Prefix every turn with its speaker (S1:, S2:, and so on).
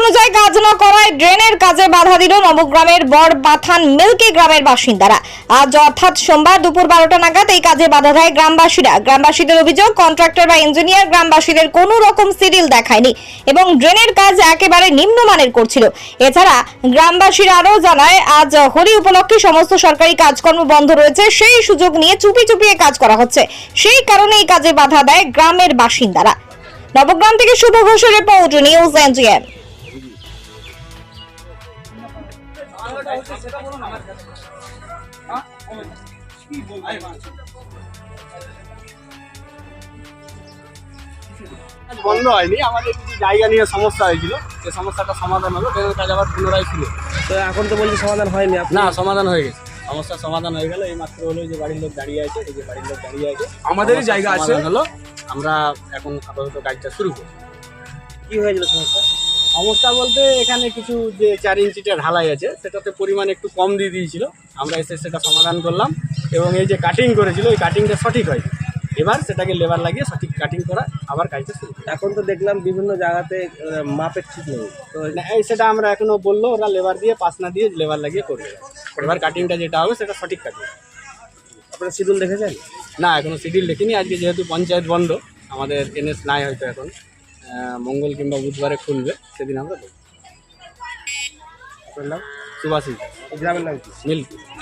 S1: অনুযায়ী কাজ না করায় ড্রেনের কাজে বাধা দিল নবগ্রামের বড়বাথান মিল্কি গ্রামের বাসিন্দারা। আজ অর্থাৎ সোমবার দুপুর 12টা নাগাদ এই কাজে বাধা দেয় গ্রামবাসীরা। গ্রামবাসীদের অভিযোগ, কন্ট্রাক্টর বা ইঞ্জিনিয়ার গ্রামবাসীদের কোনো রকম সিডিল দেখায়নি এবং ড্রেনের কাজ একেবারে নিম্নমানের করছিল। এছাড়া গ্রামবাসীরা আরও জানায়, আজ হোলি উপলক্ষে সমস্ত সরকারি কাজকর্ম বন্ধ রয়েছে, সেই সুযোগ নিয়ে চুপি চুপিয়ে কাজ করা হচ্ছে। সেই কারণে এই কাজে বাধা দেয় গ্রামের বাসিন্দারা। নবগ্রাম থেকে শুভ ঘোষের রিপোর্ট, নিউজ এনজিএম।
S2: বন্ধ হয়নি, আমাদের কিছু জায়গা নিয়ে সমস্যা হয়েছিল, সেই সমস্যাটা সমাধান হলো, ট্রেনের কাজ আবার পুনরায় ছিল।
S3: তো এখন তো বলছি সমাধান হয়নি।
S2: না, সমাধান হয়ে গেছে, সমস্যার সমাধান হয়ে গেল। এই মাত্র হলো যে বাড়ির লোক দাঁড়িয়ে আছে, এই যে বাড়ির লোক দাঁড়িয়ে আছে,
S3: আমাদেরই জায়গা আছে
S2: হলো। আমরা এখন আপাতত কাজটা শুরু করি।
S3: কি হয়েছিল সমস্যা?
S2: সমস্যা বলতে এখানে কিছু যে 4 ইঞ্চিটা ঢালাই আছে, সেটাতে পরিমাণ একটু কম দিয়ে দিয়েছিল, আমরা এসে সেটা সমাধান করলাম। এবং এই যে কাটিং করেছিল, ওই কাটিংটা সঠিক হয়, এবার সেটাকে লেবার লাগিয়ে সঠিক কাটিং করা, আবার কাজটা শুরু করি।
S3: এখন তো দেখলাম বিভিন্ন জায়গাতে মাপের ঠিক নেই, তো
S2: সেটা আমরা এখনো বললো, ওরা লেবার দিয়ে পাস না দিয়ে লেবার লাগিয়ে করবে। এবার কাটিংটা যেটা হবে সেটা সঠিক কাটিং।
S3: আপনারা শিডিউল দেখেছেন?
S2: না, এখনো শিডিউল দেখিনি। আজকে যেহেতু পঞ্চায়েত বন্ধ, আমাদের এনএস নাই, হয়তো এখন মঙ্গল কিংবা বুধবারে খুলবে, সেদিন আমরা দেখব।
S3: আপনার নাম?
S2: সুভাষী
S3: গ্রামের নাম কি?
S2: মিল্কি।